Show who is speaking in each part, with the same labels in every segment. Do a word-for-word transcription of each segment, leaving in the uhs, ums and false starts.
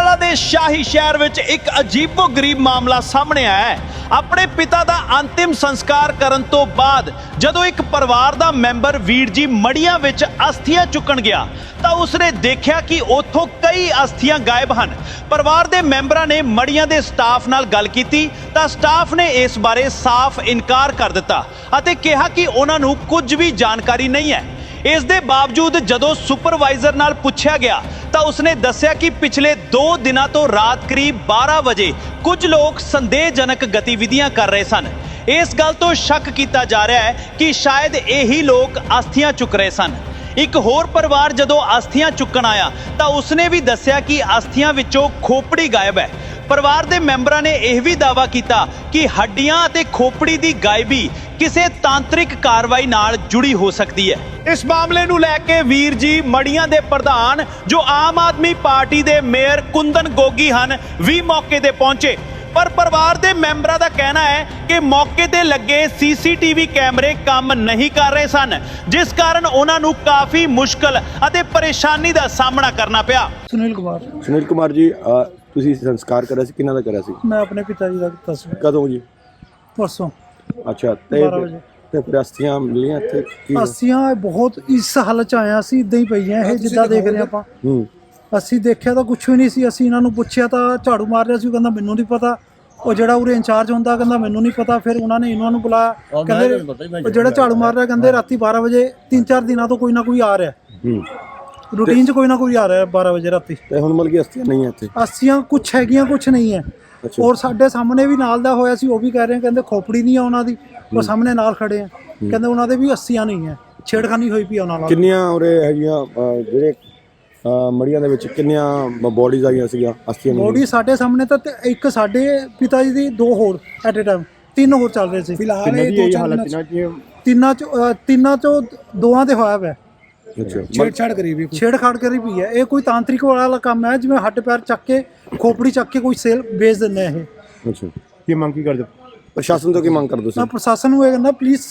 Speaker 1: पटियाला के शाही शहर विच एक अजीबो गरीब मामला सामने आया है। अपने पिता का अंतिम संस्कार करन तो बाद जदों एक परिवार का मैंबर वीर जी मड़ियां विच अस्थियां चुकन गया तो उसने देखा कि उत्थों कई अस्थियां गायब हैं। परिवार के मैंबरां ने मड़ियां के स्टाफ नाल गल कीती तां स्टाफ ने इस बारे साफ इनकार कर दिता अते कहा कि उन्हां नूं कुछ भी जानकारी नहीं है। इस दे बावजूद जदों सुपरवाइजर नाल पुछया गया तो उसने दस्सिया कि पिछले दो दिनों तो रात करीब बारह बजे कुछ लोग संदेहजनक गतिविधियां कर रहे सन। इस गल तो शक किया जा रहा है कि शायद यही लोग अस्थियां चुक रहे सन। एक होर परिवार जदों अस्थियां चुकन आया तो उसने भी दस्सिया कि अस्थियां विचों खोपड़ी गायब है। परिवार के मैंबरां ने यह भी दावा किया कि हड्डियां ते खोपड़ी की गायबी किसी तांत्रिक कार्रवाई नाल जुड़ी हो सकती है। इस मामले नूं लैके वीर जी मड़ियां दे प्रधान जो आम आदमी पार्टी के मेयर कुंदन गोगी हैं भी मौके ते पहुंचे, पर परिवार के मैंबरां दा कहना है कि मौके ते लगे सीसीटीवी कैमरे काम नहीं कर रहे सन, जिस कारण उन्हां नूं काफ़ी मुश्किल अते परेशानी का सामना करना पिया।
Speaker 2: सुनील कुमार
Speaker 3: सुनील कुमार जी, ਤੁਸੀਂ ਸੰਸਕਾਰ ਕਰਿਆ ਸੀ, ਕਿਹਨਾਂ ਦਾ ਕਰਿਆ ਸੀ?
Speaker 2: मैं अपने पिताजी का ਕੀਤਾ ਸੀ
Speaker 3: ਕਦੋਂ ਜੀ?
Speaker 2: परसों
Speaker 3: ਅੱਛਾ, ਤੇ
Speaker 2: बारह बजे।
Speaker 3: ਤੇ ਫਿਰ ਅਸਥੀਆਂ ਮਿਲੀਆਂ ਇੱਥੇ ਕੀ?
Speaker 2: अस्थियां बहुत इस हालत ਚ ਆਇਆ ਸੀ, ਇਦਾਂ ਹੀ ਪਈਆਂ ਇਹ ਜਿੱਦਾਂ ਦੇਖ ਰਹੇ ਆਪਾਂ।
Speaker 3: ਹੂੰ,
Speaker 2: ਅਸੀਂ ਦੇਖਿਆ ਤਾਂ ਕੁਝ ਵੀ ਨਹੀਂ ਸੀ। ਅਸੀਂ ਇਹਨਾਂ ਨੂੰ ਪੁੱਛਿਆ ਤਾਂ ਝਾੜੂ ਮਾਰ ਰਿਹਾ ਸੀ, ਉਹ ਕਹਿੰਦਾ ਮੈਨੂੰ ਨਹੀਂ ਪਤਾ। ਉਹ ਜਿਹੜਾ ਉਰੇ ਇੰਚਾਰਜ ਹੁੰਦਾ ਕਹਿੰਦਾ ਮੈਨੂੰ ਨਹੀਂ ਪਤਾ। ਫਿਰ ਉਹਨਾਂ ਨੇ ਇਹਨਾਂ ਨੂੰ ਬੁਲਾਇਆ, ਕਹਿੰਦੇ ਉਹ ਜਿਹੜਾ ਝਾੜੂ ਮਾਰ ਰਿਹਾ ਕਹਿੰਦੇ ਰਾਤੀ ਬਾਰ੍ਹਾਂ ਵਜੇ ਤਿੰਨ ਚਾਰ ਦਿਨਾਂ ਤੋਂ ਕੋਈ ਨਾ ਕੋਈ ਆ ਰਿਹਾ।
Speaker 3: ਹੂੰ,
Speaker 2: रूटीन च कोई ना कोई आ रहा है बारह बजे राती।
Speaker 3: ਤੇ ਹੁਣ ਮਿਲ ਗਈ ਅਸਥੀਆਂ ਨਹੀਂ ਇੱਥੇ?
Speaker 2: अस्थियां कुछ हैगियां कुछ नहीं है।
Speaker 3: ਅੱਛਾ,
Speaker 2: और ਸਾਡੇ ਸਾਹਮਣੇ ਵੀ ਨਾਲ ਦਾ ਹੋਇਆ ਸੀ, ਉਹ ਵੀ ਕਹਿ ਰਹੇ ਕਹਿੰਦੇ ਖੋਪੜੀ ਨਹੀਂ ਆ ਉਹਨਾਂ ਦੀ। ਉਹ ਸਾਹਮਣੇ ਨਾਲ ਖੜੇ ਆ, ਕਹਿੰਦੇ ਉਹਨਾਂ ਦੇ ਵੀ अस्थियां नहीं ਹੈ, ਛੇੜਖਾਨੀ ਹੋਈ ਪਈ ਉਹਨਾਂ ਨਾਲ।
Speaker 3: ਕਿੰਨੀਆਂ ਉਰੇ ਹੈਗੀਆਂ ਅਹ, ਜਿਹੜੇ ਅਹ, ਮੜੀਆਂ ਦੇ ਵਿੱਚ ਕਿੰਨੀਆਂ ਬੋਡੀਜ਼ ਆਈਆਂ ਸੀਗੀਆਂ ਅਸਥੀਆਂ?
Speaker 2: ਬੋਡੀ ਸਾਡੇ ਸਾਹਮਣੇ ਤਾਂ ਤੇ ਇੱਕ ਸਾਡੇ ਪਿਤਾ ਜੀ ਦੀ, ਦੋ ਹੋਰ ਐਟ ਏ ਟਾਈਮ ਤਿੰਨ ਹੋਰ ਚੱਲ ਰਹੇ ਸੀ ਫਿਲਹਾਲ। ਇਹ ਹਾਲਤ ਤਿੰਨਾਂ ਚ ਅਹ, ਤਿੰਨਾਂ ਚੋਂ ਦੋਵਾਂ ਦੇ ਹੋਇਆ ਵਾ।
Speaker 3: ਅੱਛਾ,
Speaker 2: ਛੇੜਛਾੜ ਕਰੀ ਵੀ ਛੇੜਖਾੜ ਕਰੀ ਵੀ ਹੈ। ਇਹ ਕੋਈ ਤਾਂਤਰਿਕ ਵਾਲਾ ਕੰਮ ਹੈ, ਜਿਵੇਂ ਹੱਡ ਪੈਰ ਚੱਕ ਕੇ ਖੋਪੜੀ ਚੱਕ ਕੇ ਕੋਈ ਸੇਲ ਵੇਚ ਦਿੰਦੇ ਆ ਇਹ।
Speaker 3: ਅੱਛਾ, ਕੀ ਮੰਗ ਕੀ ਕਰਦੇ ਪ੍ਰਸ਼ਾਸਨ ਤੋਂ? ਕੀ ਮੰਗ ਕਰਦੇ
Speaker 2: ਮੈਂ
Speaker 3: ਤੁਸੀਂ?
Speaker 2: ਪ੍ਰਸ਼ਾਸਨ ਨੂੰ ਇਹ ਕਹਿੰਦਾ ਪਲੀਜ਼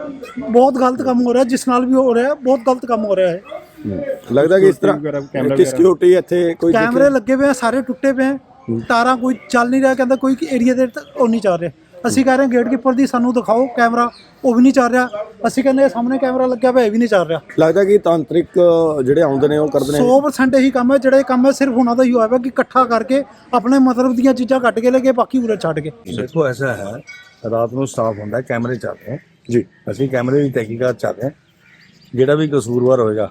Speaker 2: ਬਹੁਤ ਗਲਤ ਕੰਮ ਹੋ ਰਿਹਾ, ਜਿਸ ਨਾਲ ਵੀ ਹੋ ਰਿਹਾ ਬਹੁਤ ਗਲਤ ਕੰਮ ਹੋ ਰਿਹਾ ਹੈ।
Speaker 3: ਲੱਗਦਾ ਕਿ ਇਸ ਤਰ੍ਹਾਂ ਕਿ ਸਿਕਿਉਰਿਟੀ ਇੱਥੇ ਕੋਈ
Speaker 2: ਕੈਮਰੇ ਲੱਗੇ ਪਏ ਆ, ਸਾਰੇ ਟੁੱਟੇ ਪਏ ਆ, ਤਾਰਾਂ ਕੋਈ ਚੱਲ ਨਹੀਂ ਰਿਹਾ। ਕਹਿੰਦਾ ਕੋਈ ਏਰੀਆ ਦੇ ਉਹ ਨਹੀਂ ਚੱਲ ਰਿਹਾ। ਅਸੀਂ ਕਹਿ ਰਹੇ ਗੇਟ ਕੀਪਰ ਦੀ ਸਾਨੂੰ ਦਿਖਾਓ ਕੈਮਰਾ, ਉਹ ਵੀ ਨਹੀਂ ਚੱਲ ਰਿਹਾ। ਅਸੀਂ ਕਹਿੰਦੇ ਸਾਹਮਣੇ ਕੈਮਰਾ ਲੱਗਿਆ ਪਿਆ, ਇਹ ਵੀ ਨਹੀਂ ਚੱਲ ਰਿਹਾ।
Speaker 3: ਲੱਗਦਾ ਕਿ ਤਾਂਤਰਿਕ ਜਿਹੜੇ ਆਉਂਦੇ ਨੇ ਉਹ ਕਰਦੇ ਨੇ
Speaker 2: ਸੌ ਪਰਸੈਂਟ ਇਹੀ ਕੰਮ ਹੈ। ਜਿਹੜਾ ਇਹ ਕੰਮ ਹੈ ਸਿਰਫ ਉਹਨਾਂ ਦਾ ਹੀ ਹੋਇਆ ਕਿ ਇਕੱਠਾ ਕਰਕੇ ਆਪਣੇ ਮਤਲਬ ਦੀਆਂ ਚੀਜ਼ਾਂ ਕੱਢ ਕੇ ਲੈ ਕੇ ਬਾਕੀ ਉਰੇ ਛੱਡ ਕੇ।
Speaker 4: देखो ऐसा है, रात ਨੂੰ ਸਟਾਫ ਹੁੰਦਾ, ਕੈਮਰੇ ਚੱਲਦੇ हैं
Speaker 3: ਜੀ।
Speaker 4: ਅਸੀਂ ਕੈਮਰੇ ਦੀ ਤਹਿਕੀਕਾਤ ਚੱਲਦੇ हैं। ਜਿਹੜਾ ਵੀ ਕਸੂਰਵਾਰ ਹੋਏਗਾ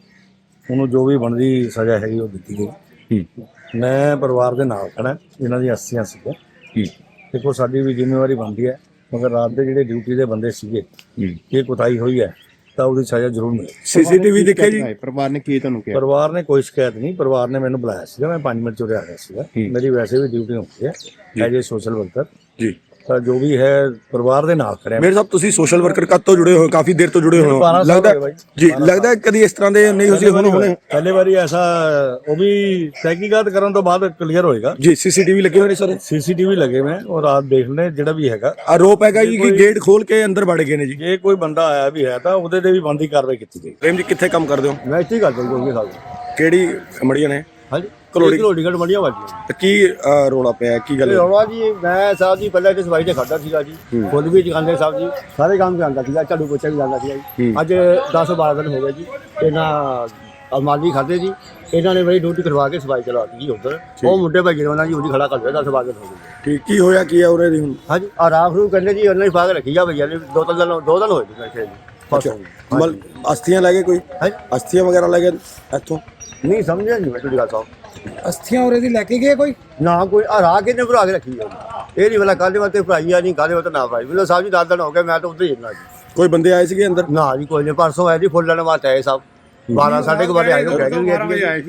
Speaker 4: ਉਹਨੂੰ ਜੋ ਵੀ ਬਣਦੀ ਸਜ਼ਾ ਹੈਗੀ ਉਹ ਦਿੱਤੀ ਗਈ। ਮੈਂ ਪਰਿਵਾਰ ਦੇ ਨਾਲ ਖੜਾ, ਇਹਨਾਂ ਦੀ ਅਸਥੀਆਂ ਸੀਗੇ। ਦੇਖੋ ਸਾਡੀ ਵੀ ਜ਼ਿੰਮੇਵਾਰੀ ਬਣਦੀ ਹੈ, ਮਗਰ ਰਾਤ ਦੇ ਜਿਹੜੇ ਡਿਊਟੀ ਦੇ ਬੰਦੇ ਸੀਗੇ ਇਹ ਕੁਤਾਹੀ ਹੋਈ ਹੈ ਤਾਂ ਉਹਦੀ ਸਜ਼ਾ ਜ਼ਰੂਰ ਮਿਲੇ।
Speaker 3: ਸੀਸੀਟੀਵੀ ਦੇਖਿਆ ਜੀ?
Speaker 5: ਪਰਿਵਾਰ ਨੇ ਕੀ ਤੁਹਾਨੂੰ ਕਿਹਾ?
Speaker 4: ਪਰਿਵਾਰ ਨੇ ਕੋਈ ਸ਼ਿਕਾਇਤ ਨਹੀਂ। ਪਰਿਵਾਰ ਨੇ ਮੈਨੂੰ ਬੁਲਾਇਆ ਸੀਗਾ, ਮੈਂ ਪੰਜ ਮਿੰਟ ਚ ਉਰੇ ਆ ਗਿਆ ਸੀਗਾ। ਮੇਰੀ ਵੈਸੇ ਵੀ ਡਿਊਟੀ ਹੁੰਦੀ ਹੈ ਐਜ ਏ ਸੋਸ਼ਲ ਵਰਕਰ
Speaker 3: ਜੀ।
Speaker 4: ਤਾਂ ਜੋ ਵੀ ਹੈ ਪਰਿਵਾਰ ਦੇ ਨਾਲ ਖੜਿਆ।
Speaker 3: ਮੇਰੇ ਸਾਹਿਬ ਤੁਸੀਂ ਸੋਸ਼ਲ ਵਰਕਰ ਕਦ ਤੋਂ ਜੁੜੇ ਹੋ? ਕਾਫੀ ਦੇਰ ਤੋਂ ਜੁੜੇ ਹੋ ਲੱਗਦਾ ਜੀ। ਲੱਗਦਾ ਜੀ ਇਸ ਤਰ੍ਹਾਂ ਦੇ ਨਹੀਂ ਹੋਸੀ ਹੁਣ ਹੁਣੇ
Speaker 4: ਪਹਿਲੇ ਵਾਰੀ ਐਸਾ, ਉਹ ਵੀ ਤਹਿਕੀਕਾਤ ਕਰਨ ਤੋਂ ਬਾਅਦ ਕਲੀਅਰ ਹੋਏਗਾ
Speaker 3: ਜੀ। ਸੀਸੀਟੀਵੀ ਲੱਗੇ ਹੋਏ ਨੇ ਸਰ?
Speaker 4: ਸੀਸੀਟੀਵੀ ਲੱਗੇ ਮੈਂ ਉਹ ਰਾਤ ਦੇਖ ਲੈ। ਜਿਹੜਾ ਵੀ ਹੈਗਾ
Speaker 3: ਆਰੋਪ ਹੈਗਾ ਜੀ ਕਿ ਗੇਟ ਖੋਲ ਕੇ ਅੰਦਰ ਵੜ ਗਏ ਨੇ ਜੀ।
Speaker 4: ਜੇ ਕੋਈ ਬੰਦਾ ਆਇਆ ਵੀ ਹੈ ਤਾਂ ਉਹਦੇ ਤੇ ਵੀ ਬਣਦੀ ਕਾਰਵਾਈ ਕੀਤੀ ਜਾਏਗੀ।
Speaker 3: ਪ੍ਰੇਮ ਜੀ ਕਿੱਥੇ ਕੰਮ ਕਰਦੇ ਹੋ?
Speaker 4: ਮੈਂ ਇੱਥੇ ਹੀ ਗੱਲ ਕਰੀ ਸਾਹਿਬ।
Speaker 3: ਕਿਹੜੀ ਮੜੀਆਂ ਨੇ?
Speaker 4: ਹਾਂਜੀ,
Speaker 3: ਕਲੋੜੀ
Speaker 4: ਕਲੋੜੀ ਘਟ ਮੜੀਆਂ ਵਾਜੀਆਂ।
Speaker 3: ਤੇ ਕੀ ਅਹ, ਰੌਲਾ ਪਿਆ? ਕੀ ਗੱਲ?
Speaker 4: ਰੌਲਾ ਜੀ, ਮੈਂ ਸਾਹਿਬ ਜੀ ਪਹਿਲਾਂ ਇੱਥੇ ਸਫਾਈ ਤੇ ਖੜਦਾ ਸੀਗਾ ਜੀ, ਫੁੱਲ ਵੀ ਚਕਾਉਂਦੇ ਸਾਹਿਬ ਜੀ, ਸਾਰੇ ਕੰਮ ਜਾਂਦਾ ਸੀਗਾ, ਝਾੜੂ ਪੋਚਾ ਵੀ ਜਾਂਦਾ ਸੀਗਾ ਜੀ। ਅੱਜ ਦਸ ਬਾਰਾਂ ਦਿਨ ਹੋ ਗਏ ਜੀ ਇਹਨਾਂ ਅਲਮਾਰੀ ਖਾਦੇ ਜੀ। ਇਹਨਾਂ ਨੇ ਮੇਰੀ ਡਿਊਟੀ ਕਰਵਾ ਕੇ ਸਫਾਈ ਚਲਾਤੀ ਜੀ ਉੱਧਰ। ਉਹ ਮੁੰਡੇ ਭਾਈ ਜਿਹੜਾ ਜੀ ਉਹਦੀ ਖੜਾ ਕਰ ਦਿਆ। ਦਸ ਬਾਰਾਂ ਦਿਨ ਹੋ ਗਏ।
Speaker 3: ਠੀਕ, ਕੀ ਹੋਇਆ ਕੀ ਹੈ ਉਰੇ ਦੀ ਹੁਣ?
Speaker 4: ਹਾਂਜੀ, ਆ ਰਾਖ ਨੂੰ ਕਹਿੰਦੇ ਜੀ ਉਹਨਾਂ ਹੀ ਪਾ ਕੇ ਰੱਖੀ ਆ ਭਈਆ ਨੇ। ਦੋ ਤਿੰਨ ਦਿਨ ਦੋ ਦਿਨ ਹੋਏ ਜੀ ਬੈਠੇ ਜੀ।
Speaker 3: ਮਲ ਅਸਥੀਆਂ ਲੈ ਗਏ ਕੋਈ? ਅਸਥੀਆਂ ਵਗੈਰਾ ਲੈ ਗਏ ਇੱਥੋਂ?
Speaker 4: ਨਹੀਂ ਸਮਝਿਆ ਨਹੀਂ ਮੈਂ ਤੁਹਾਡੀ ਗੱਲ ਸਾਹਿਬ।
Speaker 2: ਅਸਥੀਆਂ ਉਰੇ ਦੀ ਲੈ ਕੇ ਗਏ ਕੋਈ
Speaker 4: ਨਾ ਕੋਈ ਆ ਰਾਹ ਕਿੰਨੇ ਭਰਾ ਕੇ ਰੱਖੀ ਆ? ਇਹ ਨਹੀਂ ਵਾਲਾ ਕਾਹਦੇ ਵਾਸਤੇ ਭਰਾਈ ਆ, ਨਹੀਂ ਕਾਹਦੇ ਵਾਸਤੇ ਨਾ ਭਰਾਈ। ਮੈਨੂੰ ਸਾਹਿਬ ਜੀ ਦਸ ਦਿਨ ਹੋ ਗਏ, ਮੈਂ ਤਾਂ ਉੱਧਰ ਹੀ ਜਾਂਦਾ ਜੀ।
Speaker 3: ਕੋਈ ਬੰਦੇ ਆਏ ਸੀਗੇ ਅੰਦਰ?
Speaker 4: ਨਾ ਜੀ ਕੋਈ ਨਹੀਂ। ਪਰਸੋਂ ਆਏ ਜੀ ਫੁੱਲ ਲੈਣ ਵਾਸਤੇ ਆਏ ਸਾਹਿਬ। ਬਾਰਾਂ ਸਾਢੇ ਕੁ ਵਜੇ ਆਏ ਹੋ ਗਏ ਜੀ।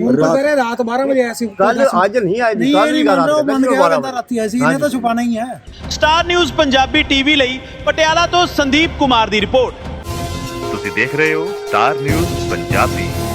Speaker 2: ਰਾਤ ਬਾਰ੍ਹਾਂ ਵਜੇ ਆਇਆ ਸੀ।
Speaker 4: ਕੱਲ ਅੱਜ ਨਹੀਂ ਆਏ ਜੀ, ਕੱਲ ਵੀ
Speaker 2: ਰਾਤੀ ਆਏ ਸੀ। ਇਹਨੇ ਤਾਂ ਛੁਪਾਣਾ ਹੀ ਹੈ।
Speaker 1: ਸਟਾਰ ਨਿਊਜ਼ ਪੰਜਾਬੀ ਟੀਵੀ ਲਈ ਪਟਿਆਲਾ ਤੋਂ ਸੰਦੀਪ ਕੁਮਾਰ ਦੀ ਰਿਪੋਰਟ।
Speaker 6: ਤੁਸੀਂ ਦੇਖ ਰਹੇ ਹੋ ਸਟਾਰ ਨਿਊਜ਼ ਪੰਜਾਬੀ।